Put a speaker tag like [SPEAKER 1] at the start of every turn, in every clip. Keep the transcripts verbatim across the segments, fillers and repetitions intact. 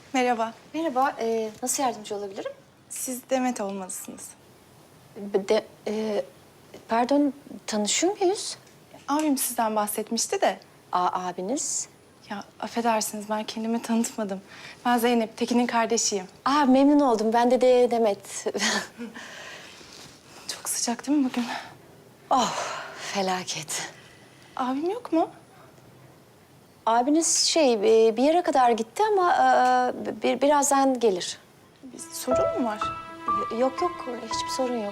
[SPEAKER 1] Merhaba.
[SPEAKER 2] Merhaba, ee, nasıl yardımcı olabilirim?
[SPEAKER 1] Siz Demet olmalısınız.
[SPEAKER 2] De, ee, pardon, tanışıyor muyuz?
[SPEAKER 1] Abim sizden bahsetmişti de.
[SPEAKER 2] Aa, abiniz.
[SPEAKER 1] Ya affedersiniz ben kendimi tanıtmadım. Ben Zeynep, Tekin'in kardeşiyim.
[SPEAKER 2] Aa, memnun oldum. Ben de, de Demet.
[SPEAKER 1] Çok sıcak değil mi bugün?
[SPEAKER 2] Oh, felaket.
[SPEAKER 1] Abim yok mu?
[SPEAKER 2] Abiniz şey, ee, bir yere kadar gitti ama ee, bir, birazdan gelir.
[SPEAKER 1] Bir sorun mu var?
[SPEAKER 2] Yok yok, hiçbir sorun yok.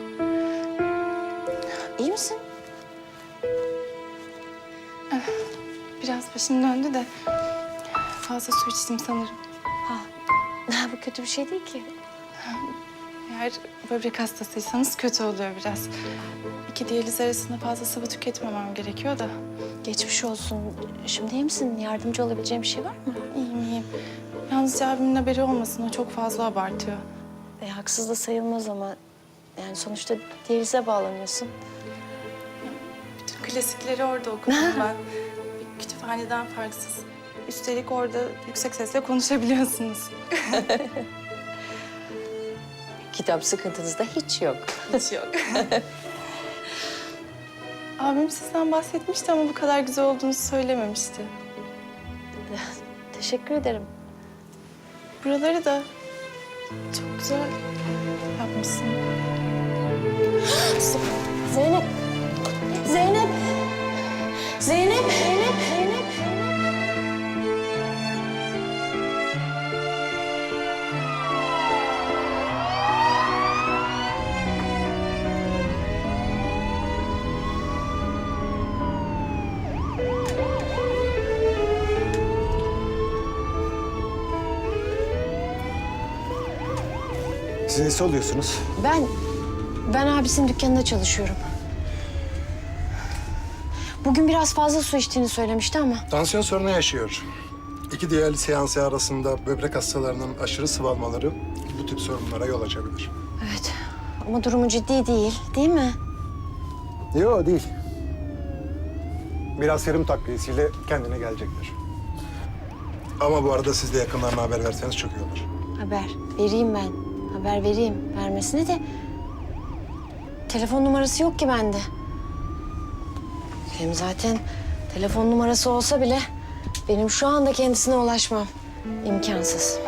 [SPEAKER 2] İyi misin?
[SPEAKER 1] Biraz başım döndü de fazla su içtim sanırım.
[SPEAKER 2] Ha, bu kötü bir şey değil ki.
[SPEAKER 1] Eğer böbrek hastasıysanız kötü oluyor biraz. İki diyaliz arasında fazla sıvı tüketmemem gerekiyor da.
[SPEAKER 2] Geçmiş olsun. Şimdi iyi misin? Yardımcı olabileceğim bir şey var mı?
[SPEAKER 1] İyiyim iyiyim. Yalnızca abimin haberi olmasın, o çok fazla abartıyor.
[SPEAKER 2] E, haksız da sayılmaz ama yani sonuçta diyalize bağlanıyorsun.
[SPEAKER 1] Bütün klasikleri orada okudum ben. Bir kütüphaneden farksız. Üstelik orada yüksek sesle konuşabiliyorsunuz.
[SPEAKER 2] Kitap sıkıntınız da hiç yok.
[SPEAKER 1] Hiç yok. Abim sizden bahsetmişti ama bu kadar güzel olduğunu söylememişti.
[SPEAKER 2] Teşekkür ederim.
[SPEAKER 1] Buraları da çok güzel yapmışsın.
[SPEAKER 2] Zeynep! Zeynep! Zeynep! Zeynep! Zeynep!
[SPEAKER 3] Siz nesi oluyorsunuz?
[SPEAKER 2] Ben, ben abisinin dükkanında çalışıyorum. Bugün biraz fazla su içtiğini söylemişti ama.
[SPEAKER 3] Tansiyon sorunu yaşıyor. İki diyaliz seansı arasında böbrek hastalarının aşırı sıvı almaları bu tip sorunlara yol açabilir.
[SPEAKER 2] Evet ama durumu ciddi değil, değil mi?
[SPEAKER 3] Yok değil. Biraz serum takviyesiyle kendine gelecektir. Ama bu arada siz de yakınlarına haber verseniz çok iyi olur.
[SPEAKER 2] Haber vereyim ben. Haber vereyim. Vermesine de telefon numarası yok ki bende. Hem zaten telefon numarası olsa bile benim şu anda kendisine ulaşmam imkansız.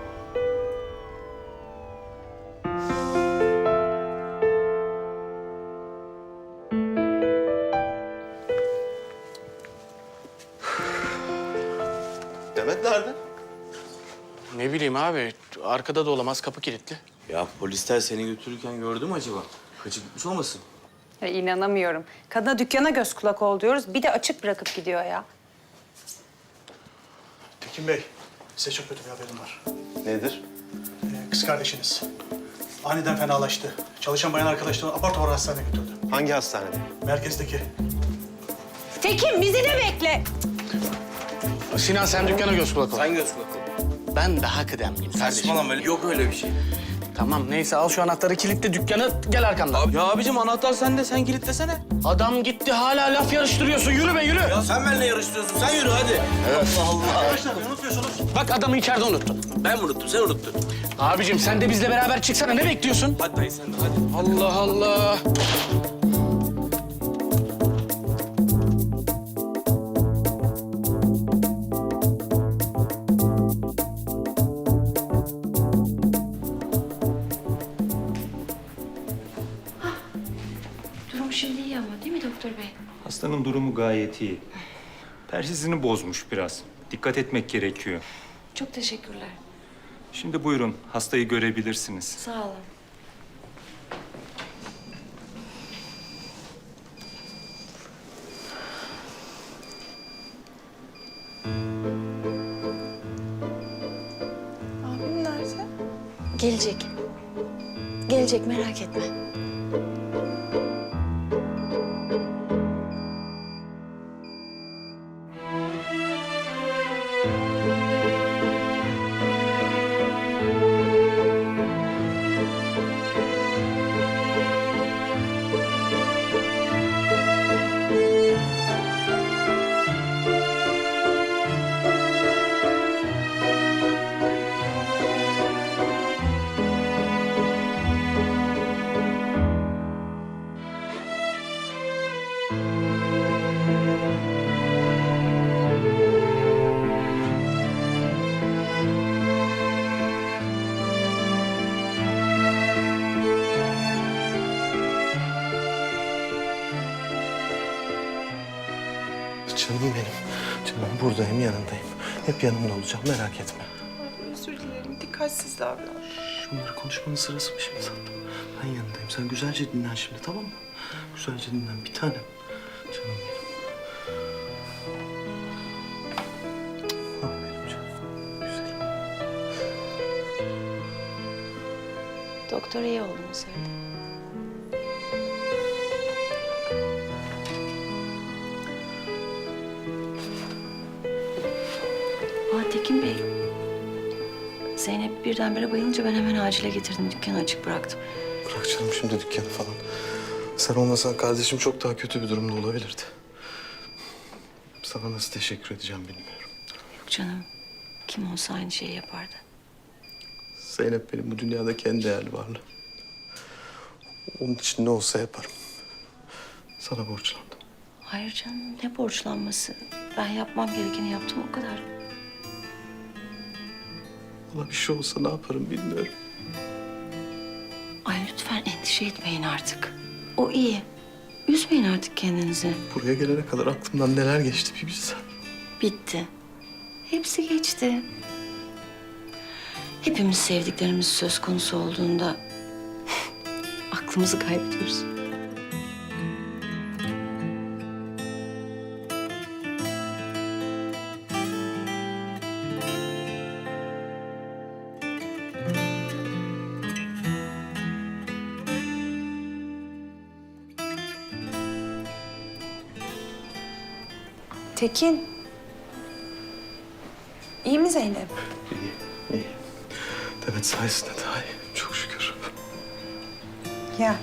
[SPEAKER 4] Demet nerede?
[SPEAKER 5] Ne bileyim abi, arkada da olamaz, kapı kilitli.
[SPEAKER 4] Ya polisler seni götürürken gördü mü acaba? Kaçıp gitmiş olmasın?
[SPEAKER 6] Ya inanamıyorum. Kadına dükkana göz kulak ol diyoruz. Bir de açık bırakıp gidiyor ya.
[SPEAKER 7] Tekin Bey, size çok kötü bir haberim var.
[SPEAKER 4] Nedir?
[SPEAKER 7] Ee, kız kardeşiniz aniden fenalaştı. Çalışan bayan arkadaşlarını apar topar hastaneye götürdü.
[SPEAKER 4] Hangi hastanede?
[SPEAKER 7] Merkezdeki.
[SPEAKER 6] Tekin bizi de bekle.
[SPEAKER 5] Sinan sen dükkana göz kulak ol.
[SPEAKER 4] Sen göz kulak ol.
[SPEAKER 5] Ben daha kıdemliyim kardeşim.
[SPEAKER 4] Saçmalama öyle. Yok öyle bir şey.
[SPEAKER 5] Tamam neyse al şu anahtarı, kilitle dükkanı, gel arkamdan.
[SPEAKER 4] Ya abicim anahtar sende, sen kilitlesene.
[SPEAKER 5] Adam gitti, hala laf yarıştırıyorsun. Yürü be yürü.
[SPEAKER 4] Ya sen benimle yarıştırıyorsun, sen yürü hadi. Allah Allah.
[SPEAKER 7] Arkadaşlar ne unutuyorsunuz?
[SPEAKER 5] Bak adamı içeride unuttun.
[SPEAKER 4] Ben mi unuttum, sen unuttun.
[SPEAKER 5] Abicim sen de bizle beraber çıksana, ne bekliyorsun?
[SPEAKER 4] Hadi dayı sen de hadi.
[SPEAKER 5] Allah Allah.
[SPEAKER 2] Durum şimdi iyi ama değil mi doktor bey?
[SPEAKER 8] Hastanın durumu gayet iyi. Persizini bozmuş biraz. Dikkat etmek gerekiyor.
[SPEAKER 2] Çok teşekkürler.
[SPEAKER 8] Şimdi buyurun, hastayı görebilirsiniz.
[SPEAKER 2] Sağ olun.
[SPEAKER 1] Abim nerede?
[SPEAKER 2] Gelecek. Gelecek merak etme.
[SPEAKER 9] Buradayım, yanındayım. Hep yanımda olacağım, merak etme.
[SPEAKER 1] Abi özür dilerim. Dikkatsiz davran.
[SPEAKER 9] Şunları konuşmanın sırası mı şimdi tatlım? Ben yanındayım. Sen güzelce dinlen şimdi, tamam mı? Güzelce dinlen bir tanem. Canım benim. Ah benim canım. Güzelim.
[SPEAKER 2] Doktor iyi olduğunu söyledi. Aa Tekin Bey. Zeynep birdenbire bayılınca ben hemen acile getirdim. Dükkanı açık bıraktım.
[SPEAKER 9] Bırak canım şimdi dükkanı falan. Sen olmasan kardeşim çok daha kötü bir durumda olabilirdi. Sana nasıl teşekkür edeceğim bilmiyorum.
[SPEAKER 2] Yok canım. Kim olsa aynı şeyi yapardı.
[SPEAKER 9] Zeynep benim bu dünyadaki en değerli varlığım. Onun için ne olsa yaparım. Sana borçlandım.
[SPEAKER 2] Hayır canım ne borçlanması. Ben yapmam gerekeni yaptım o kadar.
[SPEAKER 9] Ona bir şey olsa ne yaparım bilmiyorum.
[SPEAKER 2] Ay lütfen endişe etmeyin artık. O iyi. Üzmeyin artık kendinizi.
[SPEAKER 9] Buraya gelene kadar aklımdan neler geçti bir bilsen.
[SPEAKER 2] Bitti. Hepsi geçti. Hepimiz sevdiklerimiz söz konusu olduğunda aklımızı kaybediyoruz.
[SPEAKER 6] Tekin. İyi mi Zeynep?
[SPEAKER 9] İyi, iyi. Demet sayesinde daha iyi. Çok şükür.
[SPEAKER 6] Ya.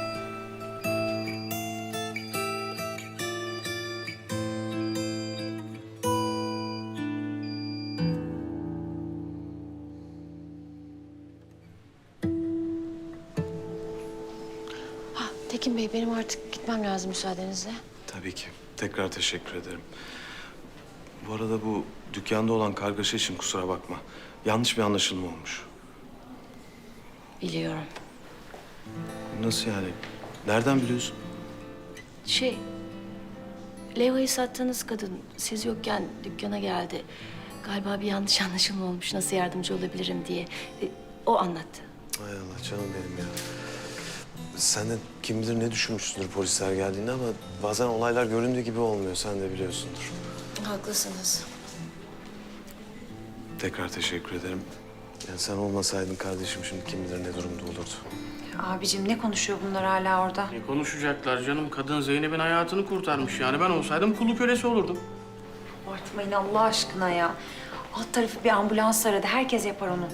[SPEAKER 2] Ha, Tekin Bey benim artık gitmem lazım müsaadenizle.
[SPEAKER 9] Tabii ki. Tekrar teşekkür ederim. Bu arada bu dükkanda olan kargaşa için kusura bakma. Yanlış bir anlaşılma olmuş.
[SPEAKER 2] Biliyorum.
[SPEAKER 9] Nasıl yani? Nereden biliyorsun?
[SPEAKER 2] Şey, levhayı sattığınız kadın siz yokken dükkana geldi. Galiba bir yanlış anlaşılma olmuş. Nasıl yardımcı olabilirim diye. E, o anlattı.
[SPEAKER 9] Hay Allah canım benim ya. Sen de kim bilir ne düşünmüşsündür polisler geldiğinde ama bazen olaylar göründüğü gibi olmuyor. Sen de biliyorsundur.
[SPEAKER 2] Haklısınız.
[SPEAKER 9] Tekrar teşekkür ederim. Yani sen olmasaydın kardeşim şimdi kim bilir ne durumda olurdu.
[SPEAKER 6] Abicim ne konuşuyor bunlar hala orada?
[SPEAKER 5] Ne konuşacaklar canım? Kadın Zeynep'in hayatını kurtarmış yani. Ben olsaydım kulu kölesi olurdum.
[SPEAKER 6] Abartmayın Allah aşkına ya. Alt tarafı bir ambulans aradı. Herkes yapar onu.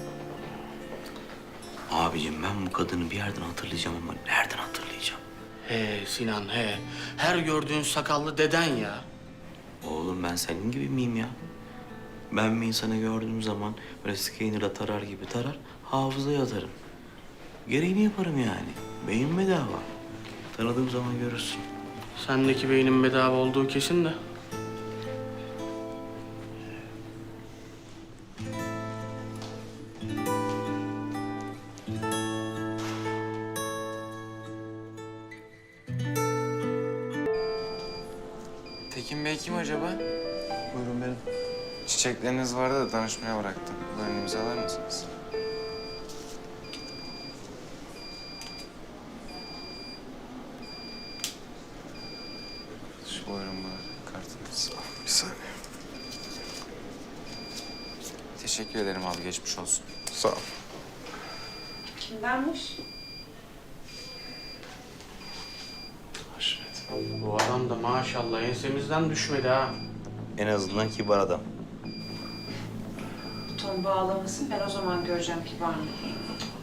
[SPEAKER 4] Abicim ben bu kadını bir yerden hatırlayacağım ama nereden hatırlayacağım?
[SPEAKER 5] He Sinan he. Her gördüğün sakallı deden ya.
[SPEAKER 4] Oğlum ben senin gibi miyim ya? Ben bir insanı gördüğüm zaman böyle scanner'la tarar gibi tarar, hafızaya atarım. Gereğini yaparım yani. Beyin bedava. Tanıdığım zaman görürsün.
[SPEAKER 5] Sendeki beynin bedava olduğu kesin de.
[SPEAKER 10] Tekin Bey kim acaba?
[SPEAKER 9] Buyurun benim.
[SPEAKER 10] Çiçekleriniz vardı da danışmaya bıraktım. Buyurun imzalar mısınız? Şu buyurun bu kartınız.
[SPEAKER 9] Bir saniye.
[SPEAKER 10] Teşekkür ederim abi, geçmiş olsun.
[SPEAKER 9] Sağ ol.
[SPEAKER 6] Kimdenmiş?
[SPEAKER 9] Haşmet.
[SPEAKER 5] Bu adam da maşallah ensemizden düşmedi ha.
[SPEAKER 4] En azından kibar adam.
[SPEAKER 6] Ton bağlamasın. Ben o zaman göreceğim kibar mı diye.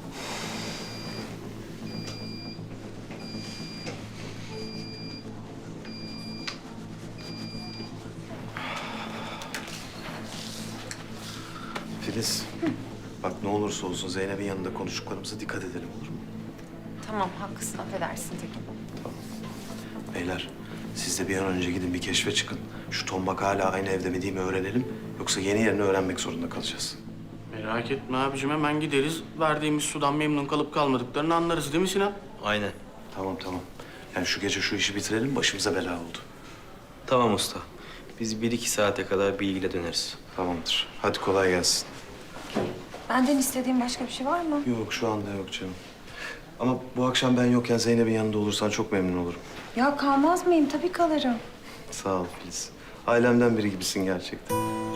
[SPEAKER 9] Filiz. Bak ne olursa olsun Zeynep'in yanında konuştuklarımıza dikkat edelim olur mu?
[SPEAKER 6] Tamam haklısın. Affedersin Tekin.
[SPEAKER 9] Beyler siz de bir an önce gidin bir keşfe çıkın. Şu tombak hala aynı evde mi değil mi öğrenelim. Yoksa yeni yerini öğrenmek zorunda kalacağız.
[SPEAKER 5] Merak etme abicim, hemen gideriz. Verdiğimiz sudan memnun kalıp kalmadıklarını anlarız değil mi Sinan?
[SPEAKER 4] Aynen.
[SPEAKER 9] Tamam tamam. Yani şu gece şu işi bitirelim başımıza bela oldu.
[SPEAKER 4] Tamam usta. Biz bir iki saate kadar bilgiyle döneriz.
[SPEAKER 9] Tamamdır. Hadi kolay gelsin.
[SPEAKER 6] Benden istediğin başka bir şey var mı?
[SPEAKER 9] Yok şu anda yok canım. Ama bu akşam ben yokken Zeynep'in yanında olursan çok memnun olurum.
[SPEAKER 6] Ya kalmaz mıyım? Tabii kalırım.
[SPEAKER 9] Sağ ol Filiz. Ailemden biri gibisin gerçekten.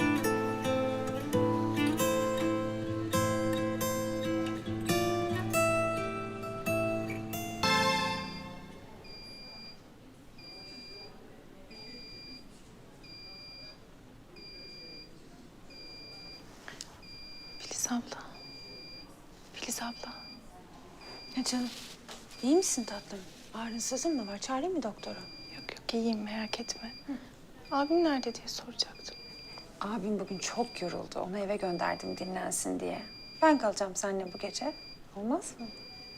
[SPEAKER 1] Filiz abla. Filiz abla.
[SPEAKER 6] Ya canım, iyi misin tatlım? Ağrınsızın mı var? Çağırayım mı doktora?
[SPEAKER 1] Yok yok iyiyim merak etme. Abim nerede diye soracaktım.
[SPEAKER 6] Abim bugün çok yoruldu. Onu eve gönderdim dinlensin diye. Ben kalacağım seninle bu gece. Olmaz mı?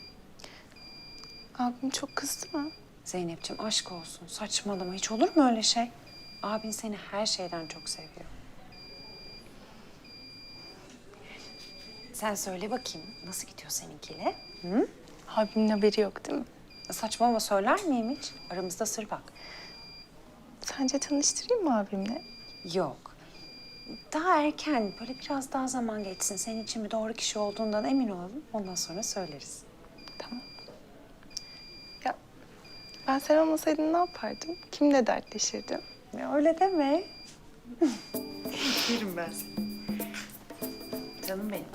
[SPEAKER 1] Abim çok kızdı mı?
[SPEAKER 6] Zeynep'ciğim aşk olsun. Saçmalama. Hiç olur mu öyle şey? Abin seni her şeyden çok seviyor. Sen söyle bakayım. Nasıl gidiyor seninkiyle? Hı?
[SPEAKER 1] Abimin haberi yok değil mi?
[SPEAKER 6] Saçmalama söyler miyim hiç? Aramızda sır bak.
[SPEAKER 1] Sence tanıştırayım mı abimle?
[SPEAKER 6] Yok. Daha erken, böyle biraz daha zaman geçsin. Senin için bir doğru kişi olduğundan emin olalım. Ondan sonra söyleriz.
[SPEAKER 1] Tamam. Ya ben sen olmasaydın ne yapardım? Kimle dertleşirdim?
[SPEAKER 6] Ya öyle deme. Yerim ben seni. Canım benim.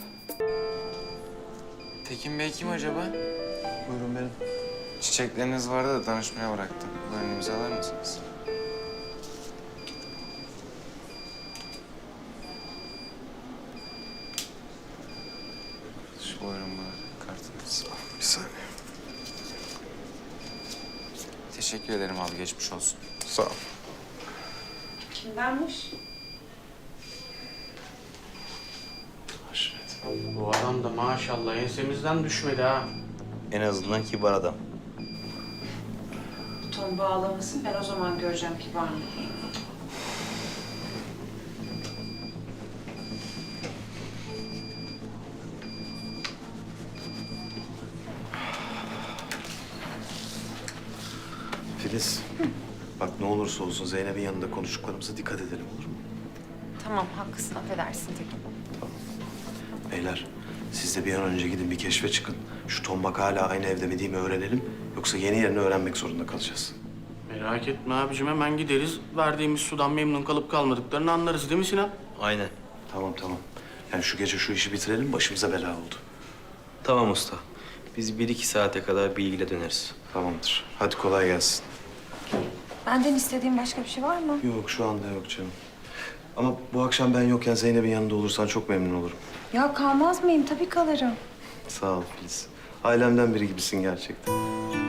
[SPEAKER 10] Tekin Bey kim acaba?
[SPEAKER 9] Buyurun benim.
[SPEAKER 10] Çiçekleriniz vardı da danışmaya bıraktım. Buyurun imzalar mısınız? Şu buyurun bu kartınız.
[SPEAKER 9] Bir saniye.
[SPEAKER 10] Teşekkür ederim abi, geçmiş olsun.
[SPEAKER 9] Sağ ol.
[SPEAKER 6] Kimdenmiş?
[SPEAKER 9] Haşmet.
[SPEAKER 5] Bu adam da maşallah ensemizden düşmedi ha.
[SPEAKER 4] En azından kibar adam.
[SPEAKER 6] Ton bağlamasın. Ben o zaman göreceğim kibar mı diye.
[SPEAKER 9] Filiz. Bak ne olursa olsun Zeynep'in yanında konuştuklarımıza dikkat edelim olur mu?
[SPEAKER 6] Tamam haklısın. Affedersin Tekin.
[SPEAKER 9] Beyler siz de bir an önce gidin bir keşfe çıkın. Şu tombak hala aynı evde mi değil mi öğrenelim. Yoksa yeni yerini öğrenmek zorunda kalacağız.
[SPEAKER 5] Merak etme abicim, hemen gideriz. Verdiğimiz sudan memnun kalıp kalmadıklarını anlarız değil mi Sinan?
[SPEAKER 4] Aynen.
[SPEAKER 9] Tamam tamam. Yani şu gece şu işi bitirelim başımıza bela oldu.
[SPEAKER 4] Tamam usta. Biz bir iki saate kadar bilgiyle döneriz.
[SPEAKER 9] Tamamdır. Hadi kolay gelsin.
[SPEAKER 6] Benden istediğin başka bir şey var mı?
[SPEAKER 9] Yok şu anda yok canım. Ama bu akşam ben yokken Zeynep'in yanında olursan çok memnun olurum.
[SPEAKER 6] Ya kalmaz mıyım? Tabii kalırım.
[SPEAKER 9] Sağ ol Filiz. Ailemden biri gibisin gerçekten.